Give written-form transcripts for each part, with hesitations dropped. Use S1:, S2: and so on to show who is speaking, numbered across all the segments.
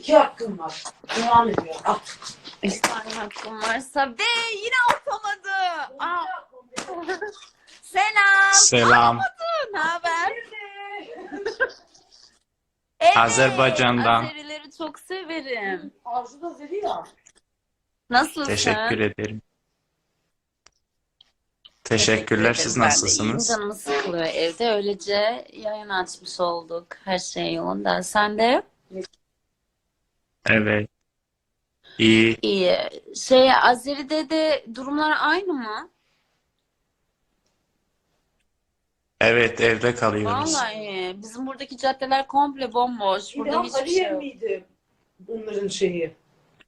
S1: 2 hakkım var. Devam ediyor. Al.
S2: 3 tane hakkım varsa ve yine atamadı. Aa. Selam.
S3: Selam.
S2: Ne haber? Evet.
S3: Azerbaycan'dan.
S2: Azerileri çok severim.
S1: Arzu da Zeli ya.
S2: Nasılsın?
S3: Teşekkür ederim. Teşekkürler. Siz
S2: Ben de iyiyim.
S3: nasılsınız?
S2: Canımı sıkılıyor evde. Öylece yayın açmış olduk. Her şey yolunda. Sen de?
S3: Evet. İyi.
S2: İyi. Azeri'de de durumlar aynı mı?
S3: Evet, evde kalıyoruz.
S2: Vallahi bizim buradaki caddeler komple bomboş. Burada
S1: İlham
S2: hiçbir
S1: Aliye
S2: şey yok.
S1: miydi bunların şeyi?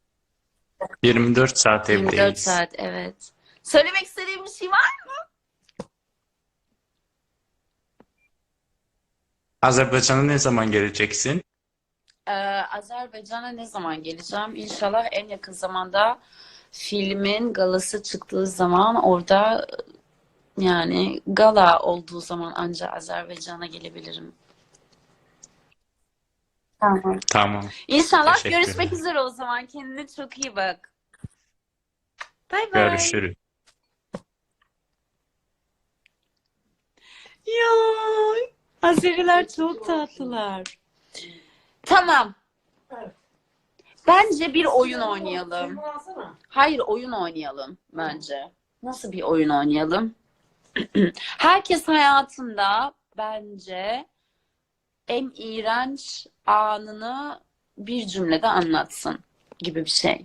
S3: 24 saat
S2: 24
S3: evdeyiz.
S2: saat, evet. Söylemek istediğim bir şey var mı?
S3: Azerbaycan'a ne zaman geleceksin?
S2: Azerbaycan'a ne zaman geleceğim? İnşallah en yakın zamanda filmin galası çıktığı zaman orada yani gala olduğu zaman ancak Azerbaycan'a gelebilirim. Tamam.
S3: Tamam.
S2: İnşallah
S3: Teşekkürler.
S2: görüşmek üzere o zaman. Kendine çok iyi bak. Bay bay.
S3: Görüşürüz.
S2: Ya Azeriler çok tatlılar. Tamam.
S1: Evet.
S2: Bence bir oyun oynayalım.
S1: Şunu alsana.
S2: Hayır, oyun oynayalım bence. Nasıl bir oyun oynayalım? Herkes hayatında bence en iğrenç anını bir cümlede anlatsın gibi bir şey.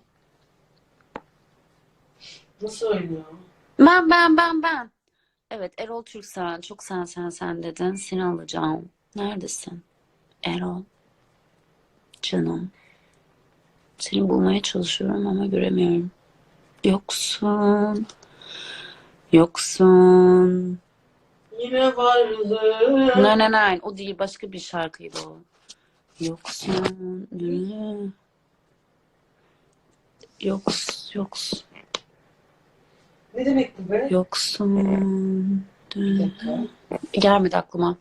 S1: Nasıl oynuyor?
S2: Ben. Evet, Erol Türksel. Çok sen dedin. Seni alacağım. Neredesin? Erol. Canım. Seni bulmaya çalışıyorum ama göremiyorum. Yoksun. Yoksun.
S1: Yine varlığın.
S2: Nein. O değil. Başka bir şarkıydı o. Yoksun. Yoks.
S1: Ne demek bu be?
S2: Yoksun.
S1: Bir dakika.
S2: Gelmedi aklıma.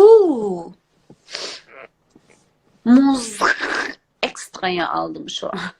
S2: Muz ekstraya aldım şu an.